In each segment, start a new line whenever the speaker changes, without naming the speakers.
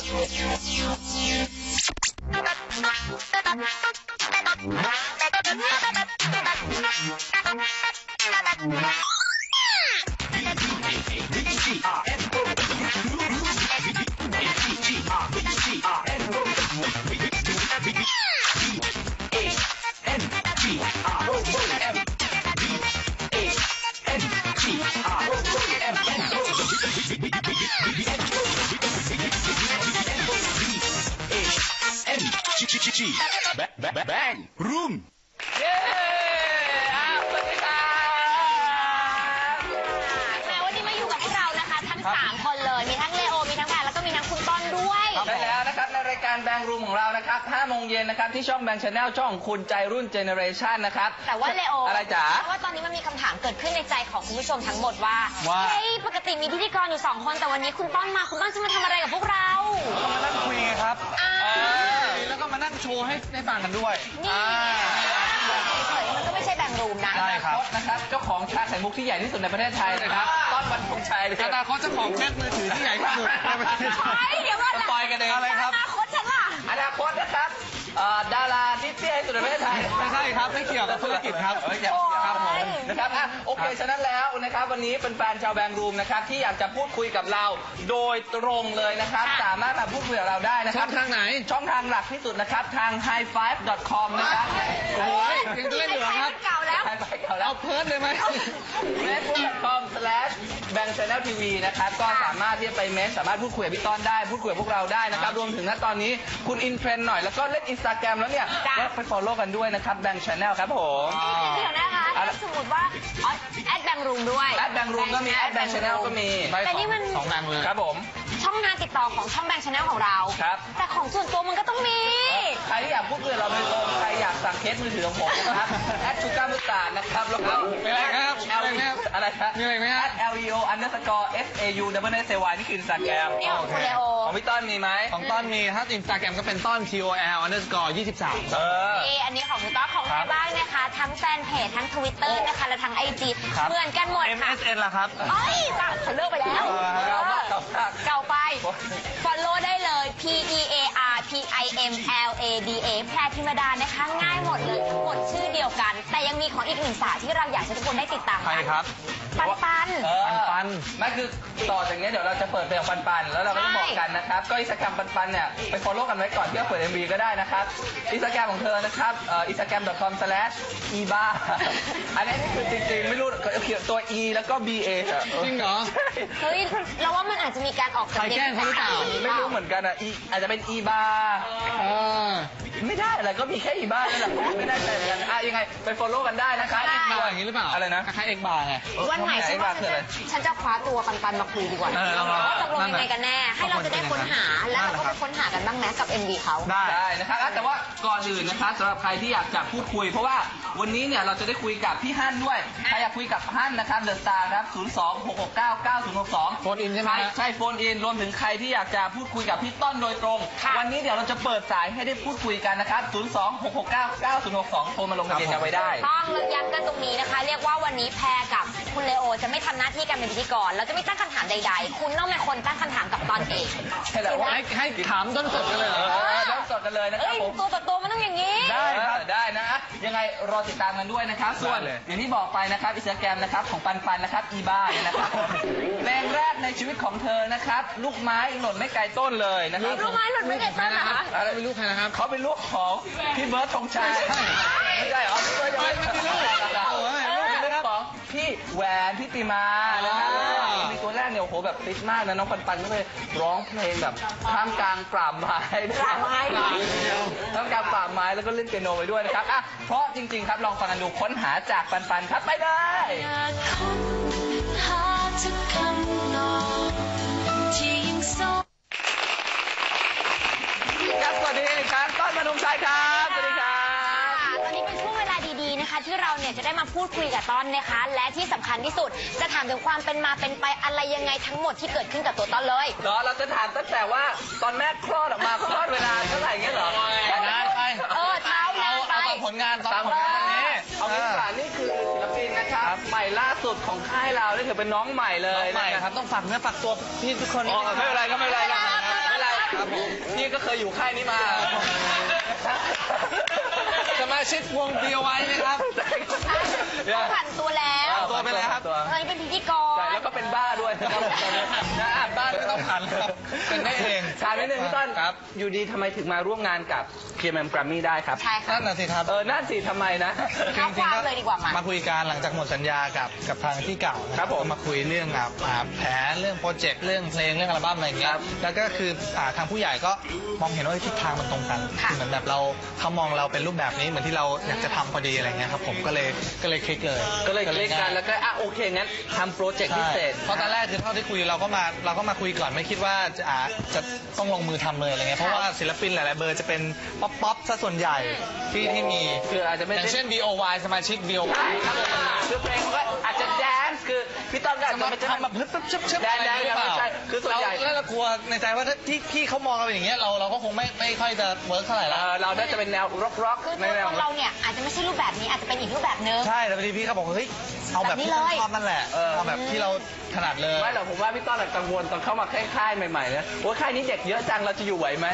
Bang Room
เย้สวัสดีครับ
วันนี้มาอยู่กับพวกเรานะคะทั้ง3คนเลยมีทั้งเลโอมีทั้งแพรแล้วก็มีทั้งคุณต้นด้วย
ใช่แล้วนะครับในรายการแบงรูมของเรานะครับ5 โมงเย็นนะครับที่ช่องแบงชาแนลช่องคุณใจรุ่นเจเนอเรชันนะครับ
แต่ว่าเลโอ
อะไรจ๋า
เพราะว่าตอนนี้มันมีคำถามเกิดขึ้นในใจของคุณผู้ชมทั้งหมดว่าเฮ้ยปกติมีพิธีกรอยู่2 คนแต่วันนี้คุณต้นมาคุณต้นจะมาทำอะไรกับพวกเรา
ก็มานั่งคุยไงครับแล้วก็มานั่งโชว์ให้ได้ฟังกันด้วย
นี่มันก็ไม่ใช่แบงรูมนะ
ใช่ครับนะครับเจ้าของชาไข่มุกที่ใหญ่ที่สุดในประเทศไทยนะครับต้นวันธงชัย
อนาคตเจ้าของเคสมือถือที่ใหญ่ที่สุดในประเทศไทย
เดี๋ยวก่อนนะ
ปล่อยกันเอง
อะไรครับ
อนาคตฉันล่ะ
อนาคตนะครับดาราที่เตี้ยที่สุดในประเทศไทย
ไม่ใช่ครับไม่เกี่ยวกับธุรกิจครับ
ครับผมนะครับโอเคฉะนั้นแล้วนะครับวันนี้เป็นแฟนชาวแบงรูมนะครับที่อยากจะพูดคุยกับเราโดยตรงเลยนะครับสามารถมาพูดคุยกับเราได้นะครับ
ช่องทางไหน
ช่องทางหลักที่สุดนะครับทาง highfive.com นะครับ
โอ้ยยังเล่นอยู่ครับ
เก่าแล้ว
เอาเพิร์ดเลยไหม
facebook.com/bangchanneltv นะครับก็สามารถที่จะไปเมสสามารถพูดคุยกับพี่ต้นได้พูดคุยกับพวกเราได้นะครับรวมถึงณตอนนี้คุณอินเทรนด์หน่อยแล้วก็เล่น Instagram แล้วเนี่ยก็ไป follow กันด้วยนะครับ Bang Channel ครับผม
เดี๋ยวนะคะสมมติว่าแบงรูมด้วย
แบงรูมก็มีBang Channel ก็มี
แต่นี่มัน
2 แบงเลย
ครับผม
ช่องทางติดต่อของช่องแบงชาแนลของเรา
ครับ
แต่ของส่วนตัวมันก็ต้องมี
ใครที่อยากพูดคุยกับเราโดยตรงใครอยากสั่งเคสมือถือของผมนะครับ@sugamutaนะครับแล้วก็
อะไรครับ
อะไรครับ
มีอะไรไหมฮะ
@leo_sau_say นี่คือ Instagram
นี่ของคุณเลโอ
ของพี่ต้นมีไหม
ของต้นมีถ้า Instagram ก็เป็นต้น TOL_23
นี่อันนี้ของคุณต้นของใครบ้างนะคะทั้งแฟนเพจทั้ง Twitter นะคะและทั้ง IG เหมือนกันหมดค่ะ
MSN ล่ะครับ
เอ้ยเขาเลิกไปแล้วเก่าไป follow ได้เลย PEARPIMLADA แพรธิมดานะคะง่ายหมดเลยหมดชื่อเดียวกันแต่ยังมีของอีก1 สาวที่เราอยากให้ทุกคนได้ติดตาม
ใครครับ
ปัน
นั่นคือต่อจากนี้เดี๋ยวเราจะเปิดเพลงปันแล้วเราก็จะบอกกันนะครับก็Instagramปันเนี่ยไป follow กันไว้ก่อนเพื่อเปิด MV ก็ได้นะครับInstagramของเธอนะครับinstagram.com/eba อันนี้นี่คือจริงๆไม่รู้เขียนตัว e แล้วก็ ba
จริงเหรอ
เฮ้ยเราว่ามันอาจจะมีการออก
ใครแกล้งเขาหรือเปล่า
ไม่รู้เหมือนกันอ่ะอาจจะเป็น eba ไม่ได้อะไรก็มีแค่ eba นั่นแหละไม่ได้ใจเหมือนกันยังไงไป follow กันได้นะครับ
เอ็กบาร์อย่างนี้หรือเปล่า
อะไรนะ
คล้ายเอ็กบาร์ไง
วันไหนฉันจะคว้าตัวปันมาคุยดีกว่าว่าตกลงยังไงกันแน่ให้เราจะได้ค้นหาแล้วเราก็ไปค้นหากันบ้างไหมกับ MV เขา
ได้นะครับแต่ว่าก่อนอื่นนะครับสำหรับใครที่อยากจะพูดคุยเพราะว่าวันนี้เนี่ยเราจะได้คุยกับพี่ฮั่นด้วยใครอยากคุยกับฮั่นนะครับเดอะสตาร์ครับ026699062
โฟนอินใช่ไหม
ใช่โฟนอินรวมถึงใครที่อยากจะพูดคุยกับพี่ต้นโดยตรงวันนี้เดี๋ยวเราจะเปิดสายให้ได้พูดคุยกันนะครับ026699062โทรมาลงทะเบียนกันไว้ได้
ต้องย้ำกันตรงนี้นะคะเรียกว่าวันนี้แพรกับคุณเลโอจะไม่ทำหน้าที่การเป็นพิธีกรเราจะไม่ตั้งคำถามใดๆคุณต้องเป็นคนตั้งคำถามกับตอนเอง
ใช่แล้ว
ให้ถามต้นสดกันเลย
ต้นสดกันเลยนะครับผม
ตัวต่อตัวมันต้องอย่างนี้
ได้ครับได้นะยังไงรอติดตามกันด้วยนะครับส่วนอย่างที่บอกไปนะครับInstagramนะครับของปันนะครับอีบ้าเนี่ยนะครับเพลงแรกในชีวิตของเธอนะครับลูกไม้หล่นไม่ไกลต้นเลยนะครับ
ลูกไม้หล่นไม่ไกลต้นนะคะ
เป็นลูกใครนะครับ
เขาเป็นลูกของพี่เบิร์ดธงชัยไม่ใช่เหรอพี่เบิร์ดยังไม่เป็นลูกของพี่แหวนพี่ติมานะครับมีตัวแรกเนี่ยโอ้โหแบบติดมากนะน้องปันก็เลยร้องเพลงแบบท่ามกลางป่าไม้ท่ามกลางป่าไม้แล้วก็เล่นเปียโนไปด้วยนะครับเพราะจริงๆครับลองฟังกันดูค้นหาจากปันครับไปเลยครับสวัสดีครับต้นมนงชัยครับสวัสดีครับ
ตอนนี้เป็นช่วงเวลาดีๆนะคะที่เราเนี่ยจะได้มาพูดคุยกับต้นนะคะและที่สำคัญที่สุดจะถามถึงความเป็นมาเป็นไปอะไรยังไงทั้งหมดที่เกิดขึ้นกับตัวต้นเลย
เราจะถามตั้งแต่ว่าตอนแม่คลอดออกมาคลอดเวลาเท่าไหร่เงี้ยเหรอ
นานไป
เท้านานไป
ผลงานตอนนี้
เอางี้ดีกว่านี่คือศิลปินนะครับใหม่ล่าสุดของค่ายเรานี่ถือเป็นน้องใหม่เลย
ใหม่ครับต้องฝากเนื้อฝากตัวพี่ทุกคน
ไม่เป็นไรก็ไม่เป็นไรครับผมพี่ก็เคยอยู่ค่ายนี้มา
สมาชิกวง BOY ไหมครับ
เขาผ่านตัวแล้ว
ตัวไปแล้วครับ
ตอนนี้เป็นพิธีกร
ใช่แล้วก็เป็นบ้าด้วยนะครับนะบ้า
ไม่ต้องผ่านครับเป็นได้เอง
ถามนิดนึงพี่ต้น
ครับ
อยู่ดีทำไมถึงมาร่วมงานกับ KMM Grammy ได้ครับ
ใช่ค่ะ
นั่นน่ะสิครับ
นั่นสิทำไมนะ
ท้าความเลยดีกว่ามา
มาคุยกันหลังจากหมดสัญญากับทางที่เก่านะครับ
ผม
ก็มาคุยเรื่องแผนเรื่องโปรเจกต์เรื่องเพลงเรื่องอัลบั้มอะไรอย่างเงี้
ค
ย
รับ
แล้วก็คือทางผู้ใหญ่ก็มองเห็นว่าทิศทางมันตรงกัน
ค่ะ
คือเหมือนแบบเขามองเราเป็นรูปแบบนี้เหมือนที่เราอยากจะทำพอดีอะไรเงี้ยครับผมก็เลยคลิกเลย
ก็เลยคลิกกันแล้วก็โอเคงั้นทำโปรเจกต์พิเศษ
เพราะตอนแรกคือเท่าที่คุยเราก็มาคุยก่อนไม่คิดว่าจะต้องลงมือทำเลยอะไรเงี้ยเพราะว่าศิลปินหลายๆเบอร์จะเป็นป๊อปซะส่วนใหญ่ที่มี
คืออาจจะไม่
อย่างเช่น BOY สมาชิก BOY
ใช่ครับคือเพลงเขาก็อาจจะแดนซ์คือพี่ต้นก็อาจจะไม่
ทำแบบปึ๊บชึบ
แดนหรือเปล่าใช่คือส่วนใหญ่
แล้วเรากลัวในใจว่าถ้าที่พี่เขามองเราอย่างเงี้ยเราก็คงไม่ค่อยจะเวิร์กเท่าไหร่ละ
เราน่าจะเป็นแนวร็อก
คือ
ใน
ตัว
แนว
ตนเราเนี่ยอาจจะไม่ใช่รูปแบบนี้อาจจะเป็นอีกรูปแบบนึง
ใช่แต่พอดีพี่เขาบอกว่าเฮ้ยเอาแบบที่
แบบนี้เลย
ชอบนั่นแหละเอาแบบที่เราถนัดเลย
ไม่หรอกผมว่าพี่ต้นกังวลตอนเข้ามาค่ายใหม่ๆนะว่าค่ายนี้เด็กเยอะจังเราจะอยู่ไหวไหม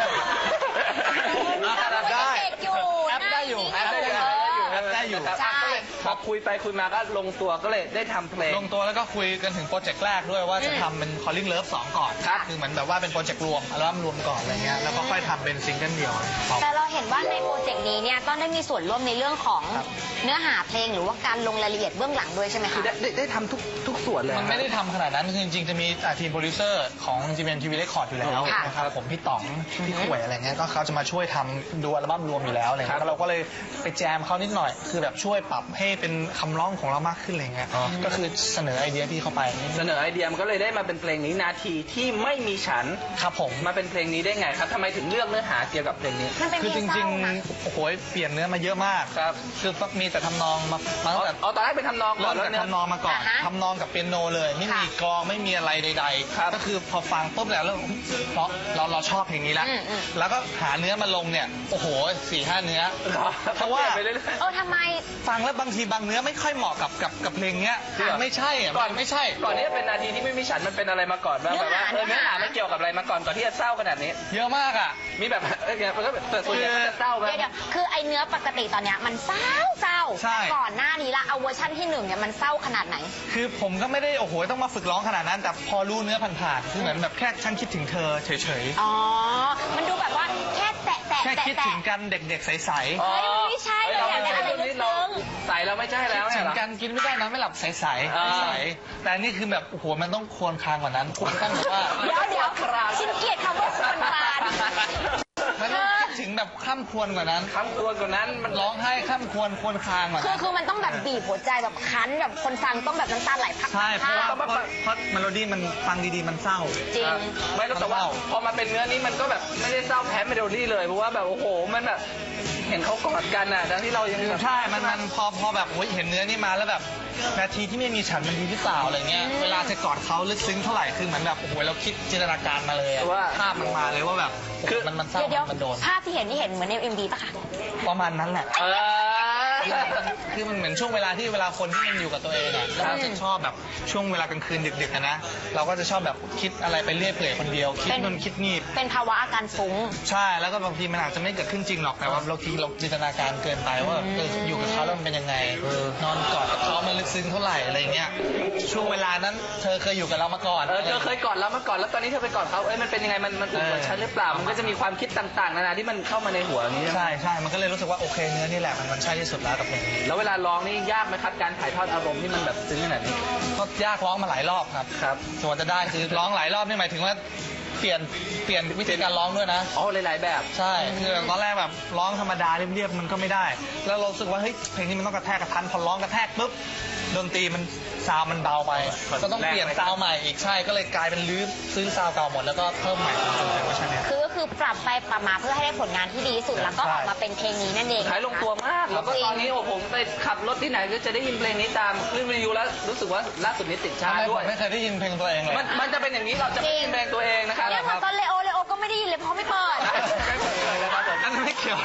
ได้
เด็กอยู่
แอปได้อยู่
หน้า
แอปได้อยู่
เออ
ครับก็เลยพอคุยไปคุยมาก็ลงตัวก็เลยได้ทำเพลง
ลงตัวแล้วก็คุยกันถึงโปรเจกต์แรกด้วยว่าจะทำเป็น Calling Love 2 ก่อน
ครับ
คือเหมือนแบบว่าเป็นโปรเจกต์รวมอัลบั้มรวมก่อนอะไรเงี้ยแล้วก็ค่อยทำเป็นซิงเกิลเดี่ยวของ
แต่เราเห็นว่าในโปรเจกต์นี้เนี่ยต้นได้มีส่วนร่วมในเรื่องของ
ครับ
เนื้อหาเพลงหรือว่าการลงรายละเอียดเบื้องหลังด้วยใช่ไหม
คือ
คะ
ได้ทำทุกส่วนเลย
มันไม่ได้ทำขนาดนั้นคือจริงๆจะมีทีมโปรดิวเซอร์ของ GMMTV Record อยู่แล้ว
ค่ะ
นะครับผมพี่ต๋องพี่ข่วยอะไรเงี้ยก็เขาจะมาช่วยทำดูอัลบั้มรวมอยู่แล้วอะไรเงี้ยแล้วเราก็เลยไปแจมเขานิดหน่อย คือแบบช่วยปรับให้เป็นคำร้องของเรามากขึ้นอะไรเงี้ยก็คือเสนอไอเดียพี่เข้าไป
เสนอไอเดียมันก็เลยได้มาเป็นเพลงนี้นาทีที่ไม่มีฉัน
ครับผม
มาเป็นเพลงนี้ได้ไงครับทำไมถึงเลือกเนื้อหาเกี่ยวกับเพลงนี้
มันเป็น
คือ
เพล
จ
งเศ
ริ
ร้าง นะ
ๆโอ้โหเปลี่ยนเนื้อมาเยอะมาก
ครับ
คือมีแต่ทำนองมาตั้งแต่
เอาตอนแรกเป็นทำนองก่อ
เริ่
น
ม
แล้ว
จาก
เนี่ย
ทำนองมาก่อน
อ่าฮะ
ทำนองกับเปียโนเลยไม่มี
ค่ะ
กลองไม่มีอะไรใด
ครับ
ๆก็คือพอฟังปุ๊บแล้วเพราะเราชอบเพลงนี้แล้ว
อืม
แล้วก็หาเนื้อมาลงเนี่ยโอ้โห 4-5 เนื้อ เพราะว่า
ไปเรื่อย
ทำไม
ฟังแล้วบางทีบางเนื้อไม่ค่อยเหมาะกับเพลงเนี้ย
จริงเหรอ
ไม่ใช่อะ
ก่อน
ไม่ใช่
ก่อนที่จะเป็นนาทีที่ไม่มีฉันมันเป็นอะไรมาก่อนบ้างแบบว่าเนื้อหามันเกี่ยวกับอะไรมาก่อนที่จะเศร้าขนาดนี้
เยอะมากอ่ะ
มีแบบมันก็แต่ส่วนใหญ่ก็จะเศร้าไหม
เดี๋ยวคือไอเนื้อปกติตอนเนี้ยมันเศร้า
ใช่
ก่อนหน้านี้ละเอาเวอร์ชั่นที่ 1เนี่ยมันเศร้าขนาดไหน
คือผมก็ไม่ได้โอ้โหต้องมาฝึกร้องขนาดนั้น แต่พอรู้เนื้อผ่านๆคือเหมือนแบบแค่ฉันคิดถึงเธอเฉย
อ๋อ มันดูแบบว่าแค่แตะ
ๆแค่คิดถึงกันเด็กๆใสๆ
เฮ้ยมันไม่ใช่เลยอยากได้อะไรลึกซึ้ง
ใส่แล้วไม่ใช่แล้ว
ถึ
เนี่ย
ง
เหรอ
กันกินไม่ได้นอนไม่หลับใสๆใสๆแต่อันนี่คือแบบโอ้โหมันต้องควรคางกว่านั้นคุณต้องแบบว่า
เดี๋ยวฉันเกลียดคำว่าควรคลาน
มันต้องคิดถึงแบบข้ามควรกว่านั้น
คำควรกว่านั้นมัน
ร้องไห้ข้ามควรคางกว่านั้น
คือมันต้องแบบบีบหัวใจแบบคั้นแบบคนฟังต้องแบบน้ำตาไหลพัก
ใช่เพราะว่า
ๆ
เพราะเมโลดี้มันฟังดีๆมันเศร้า
จริง
ไม่แล้วแต่ว่าพอมาเป็นเนื้อนี้มันก็แบบไม่ได้เศร้าแพ้เมโลดี้เลยเพราะว่าแบบโอ้โหมันแบบเห็นเขากอดกันอ่ะทั้งที่เรายังแบบ
ใช่มันพอแบบโอ้ยเห็นเนื้อนี่มาแล้วแบบนาทีที่ไม่มีฉันมันดีหรือเปล่าอะไรเงี้ย เวลาจะกอดเขาลึกซึ้งเท่าไหร่คือเหมือนแบบโอ้โหเราคิดจินตนาการมาเลยอะ
ว่า
ภาพมันมาเลยว่าแบบโอ้โหมันเศร้า
เดี๋ยว
มันโดน
ภาพที่เห็นนี่เห็นเหมือนใน MV ปะคะ
ประมาณนั้นแหละ
เออ
คือมันเหมือนช่วงเวลาที่เวลาคนที่มันอยู่กับตัวเองอะแล้วมันจะชอบแบบช่วงเวลากลางคืนดึกๆอะนะเราก็จะชอบแบบคิดอะไรไปเรื่อยเปื่อยคนเดียวคิดนู่นคิดนี่
เป็นภาวะอาการฟุ้ง
ใช่แล้วก็บางทีมันอาจจะไม่เกิดขึ้นจริงหรอกแต่ว่าบางทีเราจินตนาการเกินไปว่าอยู่กับเขาแล้วมันเป็นยังไงนอนกอดกับเขามันลึกซึ้งเท่าไหร่อะไรเงี้ยช่วงเวลานั้นเธอเคยอยู่กับเรามาก่อน
เธอเคยกอดเรามาก่อนแล้วตอนนี้เธอไปกอดเขามันเป็นยังไงมันอุ่นกว่าฉันหรือเปล่ามันก็จะมีความคิดต่างๆนานาที่มันเข้ามาในหัวอย่างนี้
ใช่ใช่มันก็เลยรู้สึกว่าโอเคเนื้อนี่แหละมันใช่ที่สุดแล้วกับเพลงนี้
แล้วเวลาร้องนี่ยากไหมครับการถ่ายทอดอารมณ์ที่มันแบบซึ้งขนาดนี้
ก็ยากร้องมาหลายรอบครับ
ครับ
ส่วนจะได้คือร้องหลายรอบนี่หมายถึงว่าเปลี่ยนวิธีการร้องด้วยนะ
อ๋อหลายๆแบบ
ใช่คือตอนแรกแบบร้องธรรมดาเรียบๆมันก็ไม่ได้ แล้วเรารู้สึกว่าเฮ้ยเพลงนี้มันต้องกระแทกกระทันพอร้องกระแทกปุ๊บดนตรีมันซาวด์มันเบาไป ก็ต้องเปลี่ยนซาวด์ใหม่อีกใช่ก็เลยกลายเป็นลื้อซื้อซาวด์เก่าหมดแล้วก็เพิ่มใหม่จนเป็นเวอร์ชันเนี้ย
ก็คือปรับไปปรับมาเพื่อให้ได้ผลงานที่ดีที่สุดแล้วก็ออกมาเป็นเพลงนี้นั่นเอง
ขายลงตัวมาก แล้วก็ตอนนี้โอ้ผมไปขับรถที่ไหนก็จะได้ยินเพลงนี้ตามคลื่นวิทยุแล้วรู้สึกว่าล่าสุดนี้ติดชาร์ต
ผ
ด้วย
มไม่เคยได้ยินเพลงตัวเองเลย
มันจะเป็นอย่างนี้เราจะไม่ยินเพลงตัวเองนะครับ
เนี่ยเหมือนตอนเลโอก็ไม่ได้ยินเลยเพราะไม่เปิด
นะครับผม
นั่นไม่เกี่ยว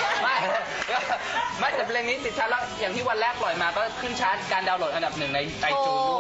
ไม่แต่เพลงนี้ติดชาร์ตแล้วอย่างที่วันแรกปล่อยมาก็ขึ้นชาร์ตการดาวน์โหลดอันดับ 1ในไอจูนด้วย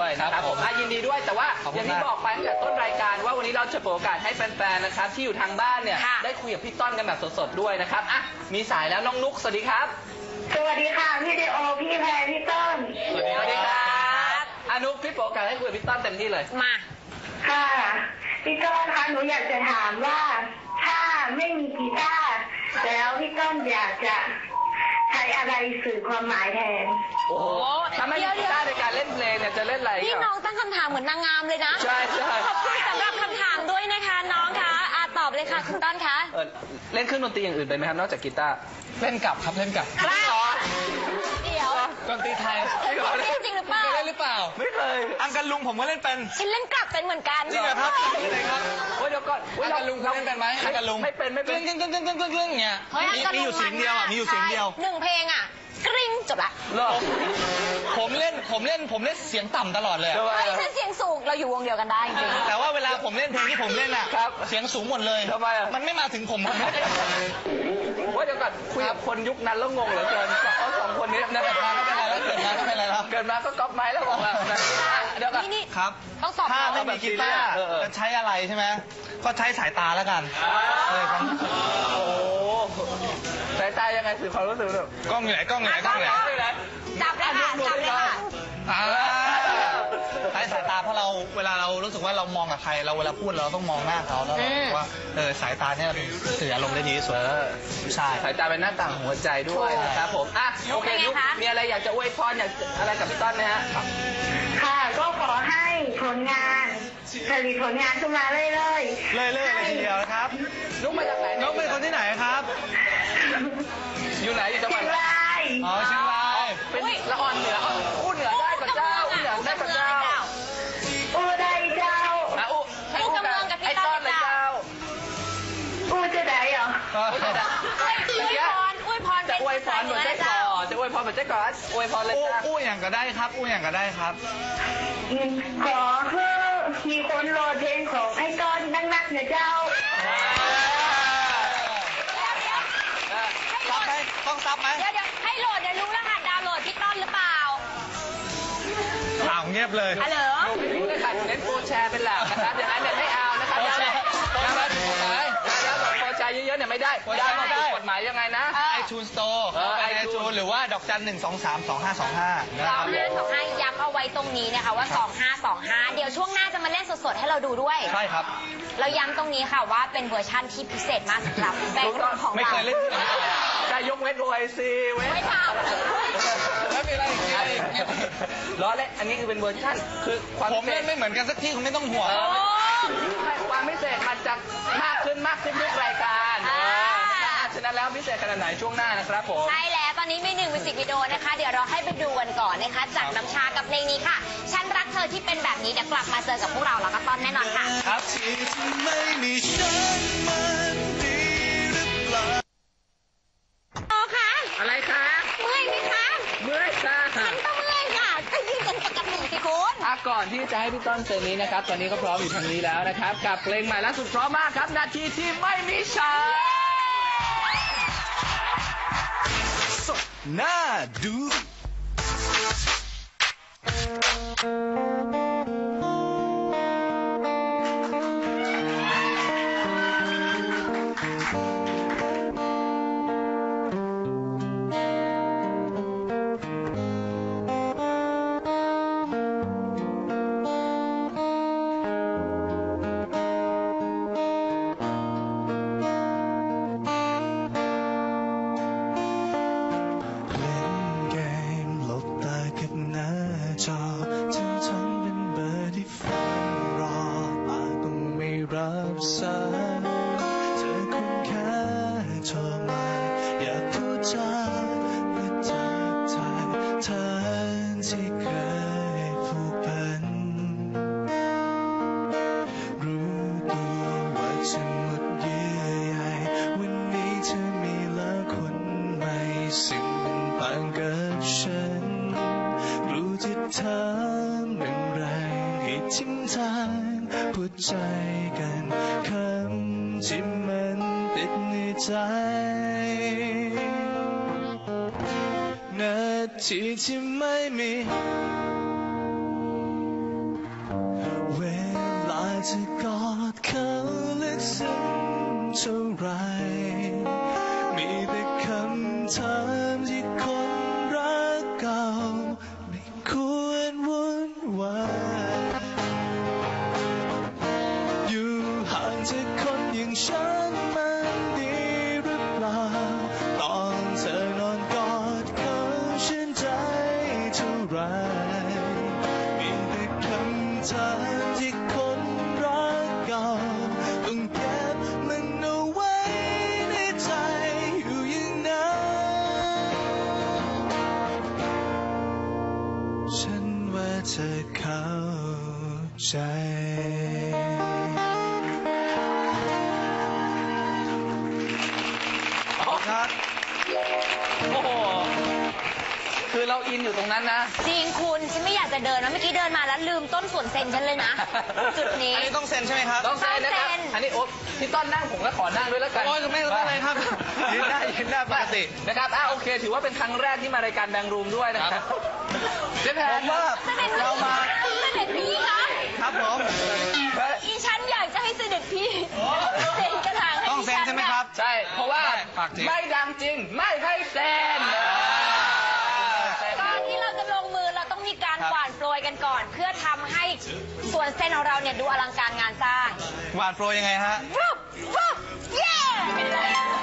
ด้วยนะครับผมยินดีด้วยแต่ว่า
ขอบ
อ
คุณ
ย่างที่
มาก
บอกไปตั้งแต่ต้นรายการว่าวันนี้เราจะเปิดโอกาสให้แฟนๆนะครับที่อยู่ทางบ้านเนี่ย
ค่ะ
ได้คุยกับพี่ต้นกันแบบสดๆด้วยนะครับอ่ะมีสายแล้วน้องนุ๊กสวัสดีครับ
สวัสดีค่ะพี่เดโอพี่แพรพี่ต้น
สวัสดีครับอานุ๊กพี่เปิดโอกาสให้คุยกับพี่ต้นเต็มที่เลย
มา
ค่ะพี่ต้นคะหนูอยากจะถามว่าถ้าไม่มีกีตาร์แล้วพี่ต้นอยากจะใช้อะไรสื่อความหมายแทน
โอ้โหถ้าไม่มีกีตาร์ในการเล่นเพลงเนี่ยจะเล่นอะไร
พี่
อ่ะ
น้องตั้งคำถามเหมือนนางงามเลยนะ
ใช่ใช่
ขอบคุณสำหรับคำถามด้วยนะคะน้องคะตอบเลยค่ะคุณต้นคะ
เล่นเครื่องดนตรีอย่างอื่นไปไหมครับนอกจากกีตาร์
เล่นกับครับเล่นกับ
กล้าเดี๋ยว
ดนตรีไทย
เล่นจริงหรือเปล่า
เคยเล่นหรือเปล่า
ไม่เคย
อังกันลุงผมก็เล่นเป็น
ฉันเล่นกลับเป็นเหมือนกัน
จริงเหรอครับที่ไหนครับ
เฮ้ยเดี๋ยวก่อน
อังกันลุงคุณเล่นเป็นไหมอังกันลุง
ไม่เป็นไม่เป็น
กึ่งกึ่งกึ่งกึ่งกึ่งกึ่งอย่างเงี้ย
เฮ้ย
มีอยู่เสียงเดียวอ่ะมีอยู่เสียงเดียว
ใช่หนึ่งเพลงอ่ะกริ๊งจบละ
เหรอ
ผมเล่นเสียงต่ำตลอดเลยอะ
ทำไม
เฮ้ย
อ่ะ
ฉันเสียงสูงเราอยู่วงเดียวกันได้จริง
แต่ว่าเวลาผมเล่นเพลงที่ผมเล่นอ่ะ
ครับ
เสียงสูงหมดเลย
ทำไมอะ
มันไม่มาถึงผมไม่ได้
ว่าเดี๋ยวก่อนคุยกับคนยุคนั้นแล้วงงเหลือเกินเอาสองคนนี้นะ
เกิดมาก็เป็นไรแล้วเกิดมาก็เป็นไรแล้ว
เกิดมาก็ก๊อปไม้แล้วบอกแล้วนะเดี๋ยวก่อน
นี่
ครับ
ต้องตอบ
ถ้า
เรา
ไม่มีกีตาร์
เออ
จะใช้อะไรใช่ไหมก็ใช้สายตาแล้วกันครับ
โอ้โหสายตายังไงสื่อความรู้สึกแบบ
กล้องอยู่ไหนกล้องอยู่ไหนกล้องอยู่ไหน
จับเลยค่ะจับเลยค่ะ
อ่าใช้สายตาเพราะเราเวลาเรารู้สึกว่าเรามองกับใครเราเวลาพูดเราต้องมองหน้าเขาแล้วเรารู้สึกว่าสายตาเนี่ยเป็นสื่ออารมณ์ได้ดีที่สุดใช่
สายตาเป็นหน้าต่างของหัวใจด้วยนะครับผมอ่ะโอเคนุ๊กมีอะไรอยากจะอวยพรอยากอะไรกับพี่ต้นไหมฮะ
ค่ะก็ขอให้ผลงานผลิตผลงานขึ้นมาเรื่อย
เรื่อยๆเลยทีเดียวนะครับ
นุ๊กมาจากไหน
น้องเป็นคนที่ไหนครับ
อยู่ไหนอยู่จังหวัด
เชียงราย
อ๋อเชียงราย
เป็นละอ่อนเหนืออู้เหนือได้กับเจ้าอู้เหนือได้กับเจ้า
อูได้เจ้า
อ่ะอู้ให้อู้กับไอ้ต้นเลยเจ้า
อูจะได้เหรอ
อวยพร
จะอวยพรเหมือนเจ๊ก่อจะอวยพรเหมือนเจ๊ก่ออวยพรเลยจ้า
อู้อย่างก็ได้ครับอู้อย่างก็ได้ครับ
ขอให้มีคนโหลดเพลงของไอ้ต้นนักๆนะเจ้า
ซับไหมต้องซับไหม
เดี๋ยวให้โหลดเดี๋ยวรู้รหัสดาวน์โหลดพี่ต้นหรือเปล่า
ข่าวเงียบเลย
ฮัลโหล
รู้เลยค่ะเน้นโปรแชร์เป็นหลักนะครับอย่างนั้นเนี่ยไม่เอานะครับ
โปรแชร์
ดาวน์โหลดโปรแชร์เยอะๆเนี่ยไม่ได้ดาวน์โหลดผิดกฎหมายยังไงนะ
iTunes Store ไป iTunes หรือว่าดอกจัน 1232525นะครับ
2525ย้ำเอาไว้ตรงนี้นะคะว่า 2525 เดี๋ยวช่วงหน้าจะมาเล่นสดๆให้เราดูด้วย
ใช่ครับ
เราย้ำตรงนี้ค่ะว่าเป็นเวอร์ชั่นที่พิเศษมากสำหรับแบงค์รุ่นของ
ไม่
เรา
เคยเล่นที่ไหนมาก่อน
ได้ยกเว้น OIC เว้น
ไม่ทำ
แล้วมีอะไรอีกมีอะไรอีก
ล้อเล่นอันนี้คือเป็นเวอร์ชั่นคือความ
ผมเล่นไม่เหมือนกันสักที่คุณไม่ต้องห่วง
โอ้
ความพิเศษมันจะมากขึ้นทุกรายการฉะนั้นแล้วพิเศษขนาดไหนช่วงหน้านะครับผม
ใช่แล้วตอนนี้มีหนึ่งมิวสิกวิดีโอนะคะ เดี๋ยวเราให้ไปดูกันก่อนนะคะ จากน้ำชากับเพลงนี้ค่ะ ฉันรักเธอที่เป็นแบบนี้เดี๋ยวกลับมาเจอกับพวกเราแล้วก็ตอนแน่นอนค่ะ
ครับที่ไม่มีฉันมันดีหรือเปล่า
โอค่ะ
อะไรคะ
เมื่อยไหมคะ
เมื่อยค่ะ
ฉันก็เมื่อยค่ะก็ยืนกันปกติสิคุณ
ก่อนที่จะให้พี่ต้นเซนนี้นะครับ ตอนนี้ก็พร้อมอยู่ทางนี้แล้วนะครับ กับเพลงใหม่ล่าสุดพร้อมมากครับ นาทีที่ไม่มีฉัน
น่าดู เล่นเกมหลบตากับหน้าจอถึงฉันเป็นเบอร์ที่ฝันรอปากต้องไม่รับสายเธอคงแค่โทรมาอยากพูดจาเพื่อทักทายเธอที่เคยผูกพันรู้ตัวว่าฉันหมดเยื่อใยวันนี้เธอมีแล้วคนใหม่ซึ่งเป็นต่างกับฉันรู้จะถามอย่างไรให้ทิ้งทางพูดใจกันคำที่มันติดในใจนาทีที่ไม่มีไรมีแต่คำถามที่คนรักเก่าไม่ควรวุ่นวายอยู่ห่างจากคนอย่างฉันมันดีหรือเปล่าตอนเธอนอนกอดเขาชื่นใจเท่าไรมีแต่คำถามที่คนรักเก่าต้องเก็บมันเอาไว้ในใจอยู่อย่างนั้นฉันว่าเธอเข้าใจครับ
โอ้โห คือเราอินอยู่ตรงนั้นนะ
จริงคุณฉันไม่อยากจะเดินนะเมื่อกี้เดินมาแล้วลืมต้นสวนเซนฉันเลยนะ จุดนี้
อันนี้ต้องเซ็นใช่ไหมครับ
ต้องเซ็นนะครับ
ต้องเซ็น
อันนี้โอ๊ตพี่ต้นนั่งผมก็ขอนั่งด้วยแล้วกัน
โอ้ยไม่ต้องเลยครับยืนได้ปกติ
นะครับโอเค ถือว่าเป็นครั้งแรกที่มารายการแบงค์รูมด้วยนะครับเจ๊แพ
ผ
น
มว่าเรามา
เสด็จพี่คะ
ครับผม
อีฉันอยากจะให้เสด็จพี่เซ็นกระถางให้
ต้องเซ็นใช่ไหมครับ
ใช่ เพราะว่า
ฝากจริง
ไม่ดังจริง ไม่ให้เซ็น
ก่อนที่เราจะลงมือเราต้องมีการ
ครับ
หว่านโปรยกันก่อน เพื่อทำให้สวนเซนของเราเนี่ยดูอลังการงานสร้าง
หวานโปรยยังไงฮะ
วุบวุบเย้เป็นไร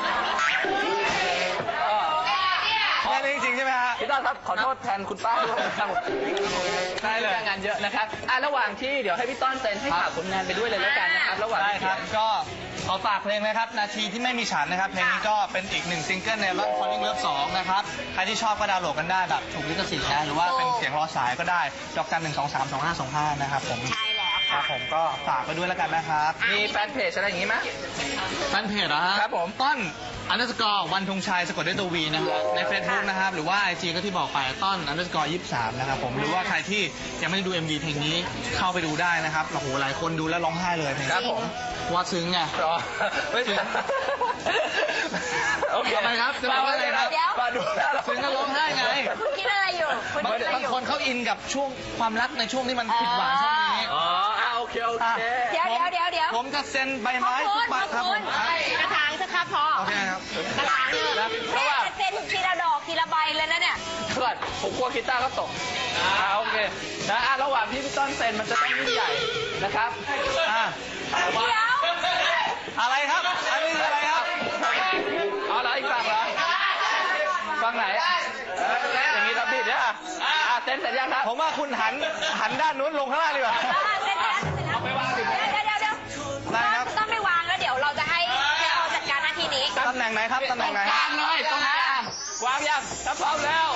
แค่นี้จริงๆใช่ไหมฮะ
พี่ต้นครับขอโทษแทนคุณป้าด้วยนะครับ
ได้เลย
งานเยอะนะครับระหว่างที่เดี๋ยวให้พี่ต้นเซ็นให้ฝากผลงานไปด้วยเลยแล้วกันนะครับระหว่าง
ได้
ที่
ครับ ก็ขอฝากเพลงนะครับ นาทีที่ไม่มีฉันนะครับ เพลงนี้ก็เป็นอีกหนึ่งซิงเกิลในอัลบั้ม Falling Love 2 นะครับ ใครที่ชอบก็ดาวน์โหลดกันได้แบบถูกลิขสิทธิ์นะหรือว่าเป็นเสียงรอสายก็ได้ดอกจัน1232525นะครับผม
ใช่แล้ว
ครั
ค่ะ
บผมก็ฝากไปด้วยแล้วกันนะครับ
มีแฟนเพจอะไรอย่างงี้ไหม
แฟนเพจเหรอฮะ
ครับผม
ต้นวันธงชัยสะกดด้วยตัววีนะครับใน Facebook นะครับหรือว่า IG ก็ที่บอกไปต้น_23นะครับผมหรือว่าใครที่ยังไม่ได้ดู MV เพลงนี้เข้าไปดูได้นะครับโอ้โหหลายคนดูแล้วร้องไห้เลยเพลงนี้
ครับผม
ว่าซึ้งไง
รอไม่ถึงโอเค
ทำไมครับจะบอกว่าอะไรครับ
เดี๋ยว
มาดูแล้ว
ซึ้งก็ร้องไห้ไง
คุณคิดอะไรอยู่คุณคิดอะไร
บาง
อยู่
คนเขาอินกับช่วงความรักในช่วงที่มันผิดหวังช่วงนี้
อ๋อโอเคโอเค
เดี๋ยว
ผมจะเซ็นใบ
ขอบ
ไม้
คุ
ทุ
ณ
กใบครับ
ขอบ
ผ
คุณ
ม
กระถางสักครับพอ
โอเคครับ
กระถางเนี่ยแม่จะเซ็นทีละดอกทีละใบเลยนะเนี่ย
เพื่อนผมกลัวกีตาร์เขาตกโอเคนะระหว่างที่พี่ต้นเซ็นมันจะต้องยิ่งใหญ่นะครับ
อ่ะ
เดี๋ยว
อะไรครับ อันนี้คืออะไรครับ
เอาละอีกฝั่งเหรอฝั่งไหนอย่างนี้ครับพี่เดี๋ยวเซ็นเสร็จยังครับ
ผมว่าคุณหันด้านนู้นลงข้างล่างดีกว่า
เซ็นแล้วเดี๋ยว
ได้ครับ
ต้องไปวางแล้วเดี๋ยวเราจะให้อจัดการหน้าที่นี้
ตำแหน่งไหนครับ ตำแหน่งไหน
วางเลยตรงนั้นวางยังถ้าพร้อมแล้ว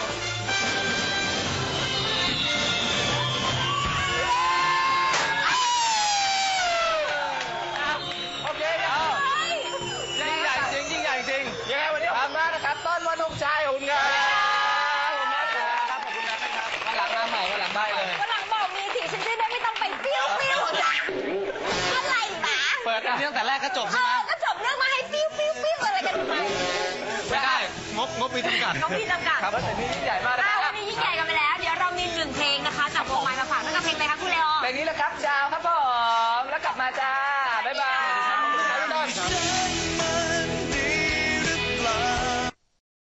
โอเคเอา
ยิ่งใหญ่จริง ยิ่งใหญ่จริง
ยังไงวันนี้ขอบคุณมากนะครับ ต้นวันธงชัยขอบคุณครับขอบคุณมากครับขอบคุณนะครับวันหลังมาใหม่วันหลังได้เลย
วันหลังบอกมีสิฉันจะได้ไม่ต้องไปปิ้วอะไรนะ
เปิดกันตั้งแต่แรกก็จบใช่ไหม
ก็จบเรื่องมาให้ปิ้วอะไรกันทำไม
ไม่ได้ งบมีจำกัด
น้องพี่จำกัด
ครับแต่นี่ยิ่งใหญ่มากนะค
วั
รับ
นนี้ยิ่งใหญ่กันไปแล้ว เดี๋ยวเรามีหนึ่งเพลงนะคะจากวงไม้มาฝากนั่นก็เพลงอะไรคะคุณเลโอ
เพลงนี้แหละครับดาวครับผมแล้วกลับมาจ้าบ๊ายบาย